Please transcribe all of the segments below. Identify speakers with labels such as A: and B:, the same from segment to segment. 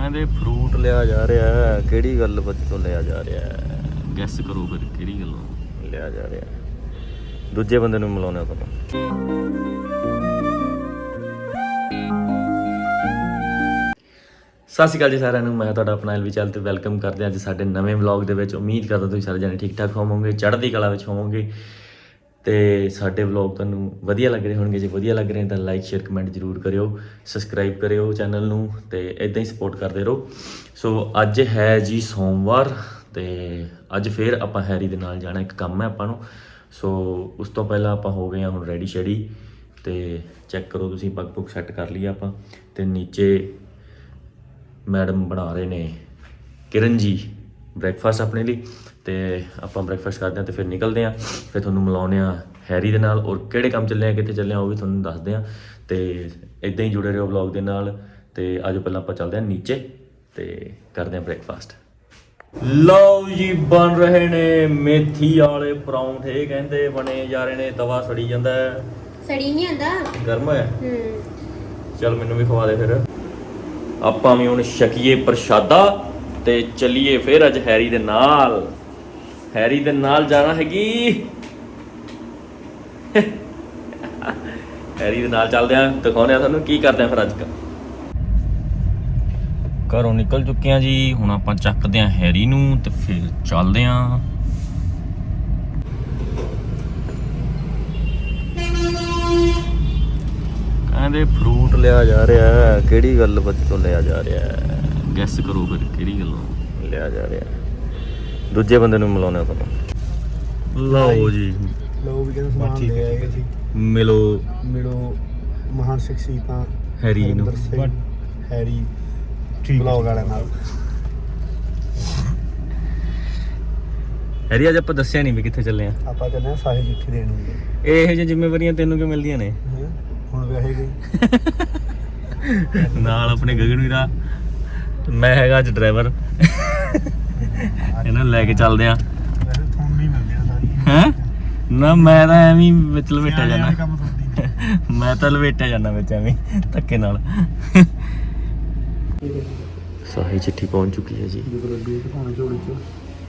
A: ਕਹਿੰਦੇ ਫਰੂਟ ਲਿਆ ਜਾ ਰਿਹਾ ਹੈ। ਕਿਹੜੀ ਗੱਲ ਤੋਂ ਲਿਆ ਜਾ ਰਿਹਾ ਹੈ? ਗੈਸ ਕਰੋ ਫਿਰ ਕਿਹੜੀ ਗੱਲੋਂ ਲਿਆ ਜਾ ਰਿਹਾ ਹੈ। ਦੂਜੇ ਬੰਦੇ ਨੂੰ ਮਿਲਾਉਣਾ ਤੁਹਾਨੂੰ। ਸਤਿ ਸ਼੍ਰੀ ਅਕਾਲ ਜੀ ਸਾਰਿਆਂ ਨੂੰ। ਮੈਂ ਤੁਹਾਡਾ ਆਪਣਾ ਐਲਵੀ ਚੈਨਲ ਤੇ ਵੈਲਕਮ ਕਰਦੇ ਹਾਂ ਅੱਜ ਸਾਡੇ ਨਵੇਂ ਵਲੌਗ ਦੇ ਵਿੱਚ। ਉਮੀਦ ਕਰਦਾ ਤੁਸੀਂ ਸਾਰੇ ਜਣੇ ਠੀਕ ਠਾਕ ਹੋਵੋਗੇ, ਚੜ੍ਹਦੀ ਕਲਾ ਵਿੱਚ ਹੋਵੋਗੇ ਤੇ ਸਾਡੇ ਵਲੌਗ ਤੁਹਾਨੂੰ ਵਧੀਆ ਲੱਗ ਰਹੇ ਹੋਣਗੇ। ਜੇ ਵਧੀਆ ਲੱਗ ਰਹੇ ਤਾਂ ਲਾਈਕ ਸ਼ੇਅਰ ਕਮੈਂਟ ਜ਼ਰੂਰ ਕਰਿਓ, ਸਬਸਕ੍ਰਾਈਬ ਕਰਿਓ ਚੈਨਲ ਨੂੰ ਤੇ ਇਦਾਂ ਹੀ ਸਪੋਰਟ ਕਰਦੇ ਰਹੋ। ਸੋ ਅੱਜ ਹੈ ਜੀ ਸੋਮਵਾਰ ਤੇ ਅੱਜ ਫਿਰ ਆਪਾਂ ਹੈਰੀ ਦੇ ਨਾਲ ਜਾਣਾ, ਇੱਕ ਕੰਮ ਹੈ ਆਪਾਂ ਨੂੰ। ਸੋ ਉਸ ਤੋਂ ਪਹਿਲਾਂ ਆਪਾਂ ਹੋ ਗਏ ਹਾਂ ਹੁਣ ਰੈਡੀ ਸ਼ੈਡੀ ਤੇ ਚੈੱਕ ਕਰੋ ਤੁਸੀਂ, ਪੱਗ ਪੁੱਗ ਸੈੱਟ ਕਰ ਲਈ ਆਪਾਂ। ਤੇ ਨੀਚੇ ਮੈਡਮ ਬਣਾ ਰਹੇ ਨੇ ਕਿਰਨ ਜੀ ਬ੍ਰੇਕਫਾਸਟ ਆਪਣੇ ਲਈ ਤੇ ਆਪਾਂ ਬ੍ਰੇਕਫਾਸਟ ਕਰਦੇ ਹਾਂ ਤੇ ਫਿਰ ਨਿਕਲਦੇ ਹਾਂ। ਫਿਰ ਤੁਹਾਨੂੰ ਮਿਲਾਉਂਦੇ ਹਾਂ ਹੈਰੀ ਦੇ ਨਾਲ, ਔਰ ਕਿਹੜੇ ਕੰਮ ਚੱਲੇ ਆ, ਕਿੱਥੇ ਚੱਲੇ ਆ ਉਹ ਵੀ ਤੁਹਾਨੂੰ ਦੱਸਦੇ ਹਾਂ। ਤੇ ਇੱਦਾਂ ਹੀ ਜੁੜੇ ਰਹੋ ਵਲੌਗ ਦੇ ਨਾਲ। ਤੇ ਅੱਜ ਪਹਿਲਾਂ ਆਪਾਂ ਚੱਲਦੇ ਹਾਂ ਨੀਚੇ ਤੇ ਕਰਦੇ ਹਾਂ ਬ੍ਰੇਕਫਾਸਟ। ਲਓ ਜੀ, ਬਣ ਰਹੇ ਨੇ ਮੇਥੀ ਵਾਲੇ ਪਰੌਂਠੇ, ਕਹਿੰਦੇ ਬਣੇ ਜਾ ਰਹੇ ਨੇ। ਤਵਾ ਸੜੀ ਜਾਂਦਾ,
B: ਸੜੀ ਨਹੀਂ ਆਂਦਾ,
A: ਗਰਮ ਹੋਇਆ। ਚਲ ਮੈਨੂੰ ਵੀ ਖਵਾ ਦੇ ਫਿਰ। ਆਪਾਂ ਵੀ ਹੁਣ ਛਕੀਏ ਪ੍ਰਸ਼ਾਦਾ ਤੇ ਚੱਲੀਏ ਫਿਰ ਅੱਜ ਹੈਰੀ ਦੇ ਨਾਲ। ਹੈਰੀ ਦੇ ਨਾਲ ਜਾਣਾ ਹੈਗੀ, ਹੈਰੀ ਦੇ ਨਾਲ ਚੱਲਦੇ ਆਂ, ਦਿਖਾਉਂਦੇ ਆ ਤੁਹਾਨੂੰ ਕੀ ਕਰਦੇ ਆ ਫਿਰ। ਅੱਜ ਘਰੋਂ ਨਿਕਲ ਚੁੱਕੇ ਆ ਜੀ, ਹੁਣ ਆਪਾਂ ਚੱਕਦੇ ਆ ਹੈਰੀ ਨੂੰ ਤੇ ਫਿਰ ਚੱਲਦੇ ਆ। ਕਹਿੰਦੇ ਫਰੂਟ ਲਿਆ ਜਾ ਰਿਹਾ ਹੈ। ਕਿਹੜੀ ਗੱਲ ਤੋਂ ਲਿਆ ਜਾ ਰਿਹਾ ਹੈ? ਗੈਸ ਕਰੋ ਫਿਰ ਕਿਹੜੀ ਗੱਲੋਂ ਲਿਆ ਜਾ ਰਿਹਾ ਹੈ। ਦੂਜੇ ਬੰਦੇ ਨੂੰ ਮਿਲਾਉਣਾ ਤੁਹਾਨੂੰ। ਲਓ ਜੀ,
C: ਲੋ ਵੀ ਕਹਿੰਦੇ ਸਮਾਨ ਲੈ ਆਏ ਸੀ। ਮਿਲੋ ਮਹਾਨ ਸ਼ਖਸੀਅਤਾਂ
A: ਹੈਰੀ ਨੂੰ,
C: ਹੈਰੀ ਬਲੌਗ ਵਾਲਿਆਂ ਨਾਲ।
A: ਹੈਰੀ ਅੱਜ ਆਪਾਂ ਦੱਸਿਆ ਨਹੀਂ ਵੀ ਕਿੱਥੇ ਚੱਲੇ ਆ।
C: ਆਪਾਂ ਚੱਲੇ ਆ ਸਾਹਿਲ ਚਿੱਠੀ ਦੇਣ ਨੂੰ।
A: ਇਹੋ ਜਿਹੀਆਂ ਜ਼ਿੰਮੇਵਾਰੀਆਂ ਤੈਨੂੰ ਕਿਉਂ ਮਿਲਦੀਆਂ ਨੇ?
C: ਹੁਣ ਵਿਆਹੇ ਗਈ
A: ਨਾਲ ਆਪਣੇ ਗਗਨ ਵੀਰਾ, ਮੈਂ ਹੈਗਾ ਅੱਜ ਡਰਾਈਵਰ। ਇਹਨਾਂ ਨੂੰ ਲੈ ਕੇ ਚੱਲਦੇ ਆ।
C: ਵੈਸੇ ਤੁਹਾਨੂੰ ਨਹੀਂ ਮਿਲਦੀਆਂ ਸਾਰੀਆਂ
A: ਹੈ ਨਾ, ਮੈਂ ਤਾਂ ਐਵੇਂ ਹੀ ਵਿੱਚ ਲਵੇਟਿਆ ਜਾਣਾ।
C: ਕੰਮ ਤੁਹਾਡੀ
A: ਮੈਂ ਤਾਂ ਲਵੇਟਿਆ ਜਾਣਾ ਵਿੱਚ ਐਵੇਂ ਧੱਕੇ ਨਾਲ। ਸਾਹੀ ਚਿੱਠੀ ਪਹੁੰਚ ਚੁੱਕੀ ਹੈ ਜੀ।
C: ਜਦੋਂ ਲੱਗੀ ਦਿਖਾਉਣਾ ਝੋਲੀ ਚ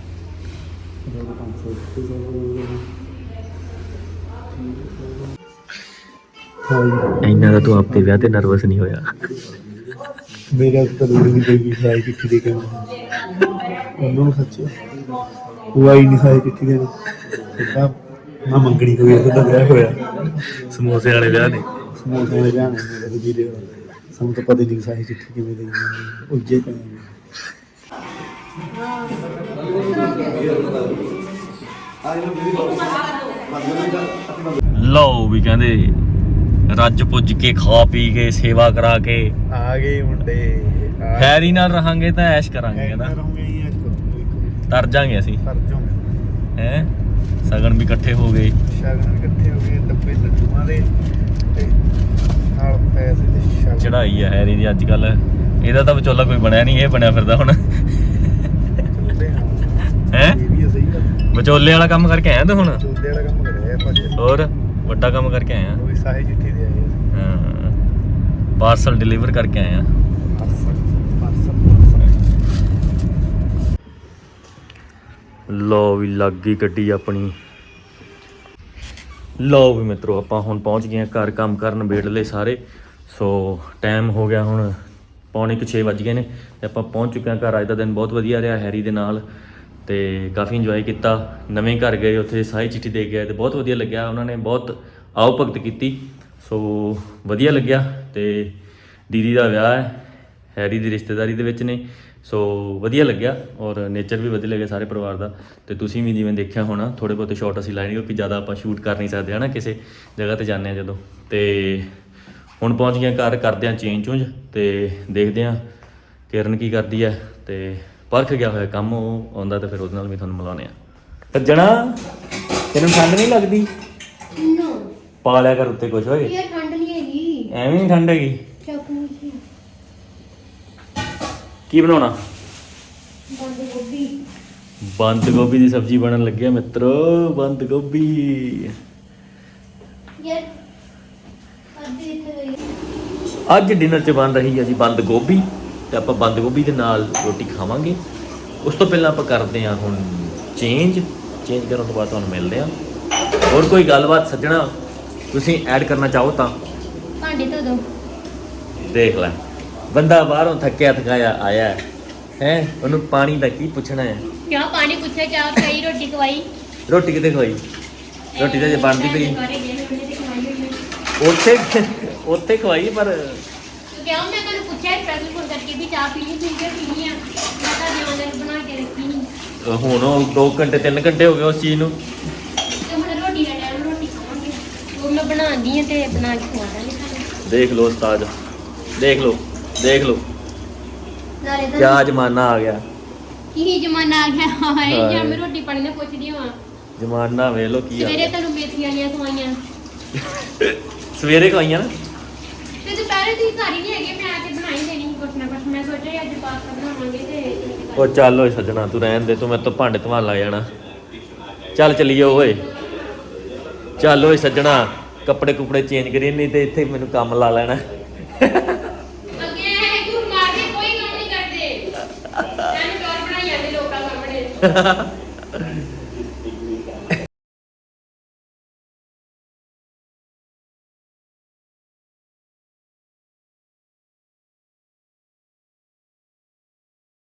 C: 500
A: ਇੰਨਾ ਦਾ ਤੂੰ ਆਪਦੇ ਵਿਆਹ ਤੇ ਨਰਵਸ ਨਹੀਂ ਹੋਇਆ?
C: ਮੇਰੇ ਤਾਂ ਲੋੜ ਨਹੀਂ ਪਈ ਸਾਈ ਚਿੱਠੀ ਦੇ ਕੇ ਉਹਨਾਂ ਨੂੰ। ਸੱਚੀ ਉਹ ਆਈ ਨਹੀਂ ਸਾਈ ਚਿੱਠੀ ਦੇਣ, ਸਿੱਧਾ ਨਾ ਮੰਗਣੀ ਹੋਈ, ਸਿੱਧਾ ਵਿਆਹ ਹੋਇਆ।
A: ਸਮੋਸੇ ਵਾਲੇ ਵਿਆਹ ਨੇ।
C: ਸਮੋਸੇ ਵਾਲੇ ਵਿਆਹ ਨੇ ਮੇਰੇ ਵੀਰੇ ਦਾ। ਸਾਨੂੰ ਤਾਂ ਪਤਾ ਨਹੀਂ ਸਾਈ ਚਿੱਠੀ ਕਿਵੇਂ ਦੇਣੀ, ਉੱਜੇ ਪਏ।
A: ਲਓ ਵੀ ਕਹਿੰਦੇ ਰੱਜ ਪੁੱਜ ਕੇ ਖਾ ਪੀ ਕੇ ਸੇਵਾ ਕਰਾ ਕੇ
C: ਆ ਗਏ ਮੁੰਡੇ।
A: ਹੈਰੀ ਨਾਲ ਰਹਾਂਗੇ ਤਾਂ ਐਸ਼ ਕਰਾਂਗੇ ਨਾ, ਤਰ ਜਾਾਂਗੇ ਅਸੀਂ ਹੈ। ਸਗਨ ਵੀ ਇਕੱਠੇ ਹੋ ਗਏ,
C: ਸ਼ਗਨ ਵੀ ਇਕੱਠੇ ਹੋ ਗਏ, ਡੱਬੇ ਲੱਡੂਆਂ ਦੇ ਤੇ ਨਾਲ ਪੈਸੇ ਤੇ ਸ਼ਗਨ।
A: ਚੜਾਈ ਆ ਹੈਰੀ ਦੀ ਅੱਜ ਕੱਲ। ਇਹਦਾ ਤਾਂ ਵਿਚੋਲਾ ਕੋਈ ਬਣਿਆ ਨਹੀਂ, ਇਹ ਬਣਿਆ ਫਿਰਦਾ ਹੁਣ ਹੈ।
C: ਇਹ ਵੀ ਸਹੀ ਗੱਲ,
A: ਵਿਚੋਲੇ ਵਾਲਾ ਕੰਮ ਕਰਕੇ ਆਇਆ ਤੂੰ ਹੁਣ?
C: ਚੋਦੇ ਵਾਲਾ ਕੰਮ ਕਰਿਆ ਭਾਜੀ।
A: ਹੋਰ ਵੱਡਾ ਕੰਮ ਕਰਕੇ ਆਇਆ।
C: ਉਹ ਵੀ ਸਾਹੇ ਚਿੱਠੀ ਦੇ ਆਏ।
A: ਹਾਂ, ਪਾਰਸਲ ਡਿਲੀਵਰ ਕਰਕੇ ਆਇਆ। ਲਓ ਵੀ ਲੱਗ ਗਈ ਗੱਡੀ ਆਪਣੀ। ਲਓ ਵੀ ਮਿੱਤਰੋ, ਆਪਾਂ ਹੁਣ ਪਹੁੰਚ ਗਏ ਹਾਂ ਘਰ। ਕੰਮ ਕਰਨ ਨਿਬੇੜ ਲਏ ਸਾਰੇ। ਸੋ ਟਾਈਮ ਹੋ ਗਿਆ ਹੁਣ 5:45 ਵੱਜ ਗਏ ਨੇ ਤੇ ਆਪਾਂ ਪਹੁੰਚ ਚੁੱਕੇ ਹਾਂ ਘਰ। ਅੱਜ ਦਾ ਦਿਨ ਬਹੁਤ ਵਧੀਆ ਰਿਹਾ ਹੈਰੀ ਦੇ ਨਾਲ ਤੇ ਕਾਫੀ ਇੰਜੋਏ ਕੀਤਾ। ਨਵੇਂ ਘਰ ਗਏ, ਉੱਥੇ ਸਾਈ ਚਿੱਠੀ ਦੇ ਗਏ ਤੇ ਬਹੁਤ ਵਧੀਆ ਲੱਗਿਆ। ਉਹਨਾਂ ਨੇ ਬਹੁਤ ਆਓ ਭਗਤ ਕੀਤੀ, ਸੋ ਵਧੀਆ ਲੱਗਿਆ। ਤੇ ਦੀਦੀ ਦਾ ਵਿਆਹ ਹੈ, ਹੈਰੀ ਦੀ ਰਿਸ਼ਤੇਦਾਰੀ ਦੇ ਵਿੱਚ ਨੇ, ਸੋ ਵਧੀਆ ਲੱਗਿਆ। ਔਰ ਨੇਚਰ ਵੀ ਵਧੀਆ ਲੱਗਿਆ ਸਾਰੇ ਪਰਿਵਾਰ ਦਾ। ਤੇ ਤੁਸੀਂ ਵੀ ਜਿਵੇਂ ਦੇਖਿਆ ਹੋਣਾ, ਥੋੜ੍ਹੇ ਬਹੁਤੇ ਸ਼ਾਟ ਅਸੀਂ ਲਾਏ ਨੇ ਕਿਉਂਕਿ ਜ਼ਿਆਦਾ ਆਪਾਂ ਸ਼ੂਟ ਕਰ ਨਹੀਂ ਸਕਦੇ ਹੈ ਨਾ ਕਿਸੇ ਜਗ੍ਹਾ 'ਤੇ ਜਾਂਦੇ ਹਾਂ ਜਦੋਂ। ਤੇ ਹੁਣ ਪਹੁੰਚ ਗਏ ਘਰ, ਕਰਦੇ ਹਾਂ ਚੇਂਜ ਚੂੰਜ ਤੇ ਦੇਖਦੇ ਹਾਂ ਕਿਰਨ ਕੀ ਕਰਦੀ ਹੈ। ਤੇ ਪਰਖ ਗਿਆ ਹੋਇਆ ਕੰਮ, ਉਹ ਆਉਂਦਾ ਤਾਂ ਫਿਰ ਉਹਦੇ ਨਾਲ ਵੀ ਤੁਹਾਨੂੰ ਮਿਲਾਉਂਦੇ ਹਾਂ। ਸੱਜਣਾ, ਤੈਨੂੰ ਠੰਡ ਨਹੀਂ ਲੱਗਦੀ? ਪਾ ਲਿਆ ਕਰ ਉੱਤੇ ਕੁਛ। ਹੋਏ
B: ਯਾਰ ਠੰਡ ਨਹੀਂ ਹੈਗੀ,
A: ਐਵੇਂ ਨਹੀਂ ਠੰਡ ਹੈਗੀ।
B: ਚਟਨੀ ਸੀ,
A: ਕੀ ਬਣਾਉਣਾ?
B: ਬੰਦ ਗੋਭੀ।
A: ਬੰਦ ਗੋਭੀ ਦੀ ਸਬਜ਼ੀ ਬਣਨ ਲੱਗੀ ਆ ਮਿੱਤਰੋ, ਬੰਦ ਗੋਭੀ।
B: ਯਾਰ ਅੱਧੇ ਇੱਥੇ ਗਈ।
A: ਅੱਜ ਡਿਨਰ 'ਚ ਬਣ ਰਹੀ ਹੈ ਜੀ ਬੰਦ ਗੋਭੀ ਤੇ ਆਪਾਂ ਬੰਦ ਗੋਭੀ ਦੇ ਨਾਲ ਰੋਟੀ ਖਾਵਾਂਗੇ। ਉਸ ਤੋਂ ਪਹਿਲਾਂ ਆਪਾਂ ਕਰਦੇ ਹਾਂ ਹੁਣ ਚੇਂਜ ਕਰਨ ਤੋਂ ਬਾਅਦ ਤੁਹਾਨੂੰ ਮਿਲਦੇ ਹਾਂ। ਹੋਰ ਕੋਈ ਗੱਲਬਾਤ ਸੱਜਣਾ ਤੁਸੀਂ ਐਡ ਕਰਨਾ ਚਾਹੋ ਤਾਂ
B: ਭਾਂਡੇ ਧੋ ਦੋ।
A: ਦੇਖ ਲੈ, ਬੰਦਾ ਬਾਹਰੋਂ ਥੱਕਿਆ ਥਕਾਇਆ ਆਇਆ ਹੈ, ਉਹਨੂੰ ਪਾਣੀ ਦਾ ਕੀ ਪੁੱਛਣਾ ਹੈ।
B: ਕਿਆ ਪਾਣੀ ਪੁੱਛਿਆ, ਚਾਹ ਪਈ, ਰੋਟੀ ਖਵਾਈ।
A: ਰੋਟੀ ਕਿਤੇ ਖਵਾਈ? ਰੋਟੀ ਤਾਂ ਜੇ ਬਣਦੀ ਪਈ ਉੱਥੇ ਖਵਾਈ, ਪਰ
B: ਕਿਉਂ ਮੈਂ ਤੁਹਾਨੂੰ ਪੁੱਛਿਆ ਸਪੈਸ਼ਲ ਫੋਨ ਕਰਕੇ ਵੀ ਚਾਹ ਪੀਣੀ ਪੀਣੀ ਆ। ਮੈਂ ਤਾਂ ਜਿਆਦਾ ਬਣਾ ਕੇ ਰੱਖੀ ਸੀ।
A: ਹੁਣ ਉਹ 2 ਘੰਟੇ 3 ਘੰਟੇ ਹੋ ਗਏ ਉਸ ਚੀਜ਼ ਨੂੰ।
B: ਤੇ ਹੁਣ ਰੋਟੀ ਦਾ ਟਾਈਮ, ਰੋਟੀ ਖਾਵਾਂਗੇ। ਉਹ ਮੈਂ ਬਣਾਉਂਦੀ ਆ ਤੇ ਬਣਾ ਕੇ ਖਵਾ ਦਾਂਗੇ ਤੁਹਾਨੂੰ।
A: ਦੇਖ ਲਓ ਉਸਤਾਦ, ਦੇਖ ਲਓ
B: ਨਾਲੇ ਤਾਂ
A: ਕਿਆ ਜ਼ਮਾਨਾ ਆ ਗਿਆ।
B: ਕੀ ਜ਼ਮਾਨਾ ਆ ਗਿਆ ਹਾਏ,
A: ਹਾਏ।
B: ਜਾਂ ਮੈਂ ਰੋਟੀ ਪਾਣੀ ਦਾ ਪੁੱਛਦੀ ਹਾਂ।
A: ਜ਼ਮਾਨਾ ਵੇਖ ਲਓ ਕੀ ਆ
B: ਸਵੇਰੇ
A: ਗਿਆ।
B: ਤੁਹਾਨੂੰ ਮੇਥੀ ਵਾਲੀਆਂ ਖਵਾਈਆਂ
A: ਸਵੇਰੇ ਖਵਾਈਆਂ ਨਾ।
B: ਤੇ ਦੁਪਹਿਰੇ ਦੀ ਸਾਰੀ ਨਹੀਂ ਹੈਗੀ, ਮੈਂ ਆ ਕੇ ਬਣਾਈ ਦੇਣੀ ਸੀ ਕੁਛ ਨਾ ਕੁਛ। ਮੈਂ ਸੋਚਿਆ ਅੱਜ ਪਾਸਤਾ ਬਣਾਵਾਂਗੇ ਤੇ
A: ਉਹ ਚੱਲ ਓਏ ਸੱਜਣਾ, ਤੂੰ ਰਹਿਣ ਦੇ, ਤੂੰ ਮੇਰੇ ਤੋਂ ਭਾਂਡੇ ਧਵਾਣ ਲੱਗ ਜਾਣਾ। ਚੱਲ ਚੱਲੀਏ ਓਏ, ਚੱਲ ਓਏ ਸੱਜਣਾ, ਕੱਪੜੇ ਕੁਪੜੇ ਚੇਂਜ ਕਰੀਏ, ਨਹੀਂ ਤੇ ਇੱਥੇ ਮੈਨੂੰ ਕੰਮ ਲਾ ਲੈਣਾ।
B: ਅੱਗੇ ਇਹ ਝੂਠ ਮਾਰ ਕੇ ਕੋਈ ਕੰਮ ਨਹੀਂ ਕਰਦੇ। ਤੈਨੂੰ ਡਰ ਬਣਾਈ ਜਾਂਦੇ ਲੋਕਾਂ ਸਾਹਮਣੇ।